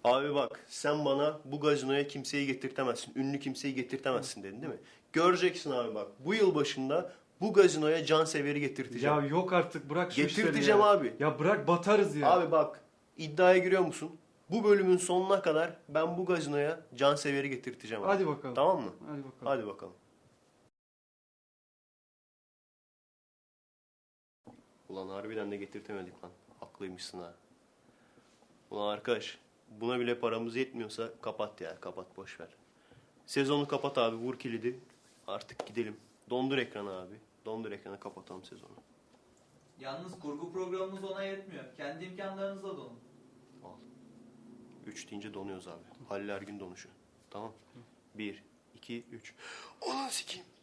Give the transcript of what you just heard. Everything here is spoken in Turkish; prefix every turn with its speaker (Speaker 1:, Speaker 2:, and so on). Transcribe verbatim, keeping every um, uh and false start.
Speaker 1: Abi bak sen bana bu gazinoya kimseyi getirtemezsin. Ünlü kimseyi getirtemezsin dedin değil mi? Göreceksin abi bak. Bu yıl başında bu gazinoya Canseveri getirteceğim.
Speaker 2: Ya yok artık, bırak şu işleri
Speaker 1: Getirteceğim
Speaker 2: ya.
Speaker 1: abi.
Speaker 2: Ya bırak, batarız ya.
Speaker 1: Abi bak iddiaya giriyor musun? Bu bölümün sonuna kadar ben bu gazinoya Canseveri getirteceğim abi.
Speaker 2: Hadi bakalım.
Speaker 1: Tamam mı?
Speaker 2: Hadi bakalım.
Speaker 1: Hadi bakalım. Ulan harbiden de getirtemedik lan. Haklıymışsın ha. Ulan arkadaş buna bile paramız yetmiyorsa kapat ya, kapat, boş ver. Sezonu kapat abi, vur kilidi. Artık gidelim. Dondur ekranı abi. Dondur ekranı, kapatalım sezonu.
Speaker 3: Yalnız kurgu programımız ona yetmiyor. Kendi imkanlarınızla donun.
Speaker 1: Al. Üç deyince donuyoruz abi. Halil Ergün donuşu. Tamam. Bir, iki, üç. Ulan sikeyim.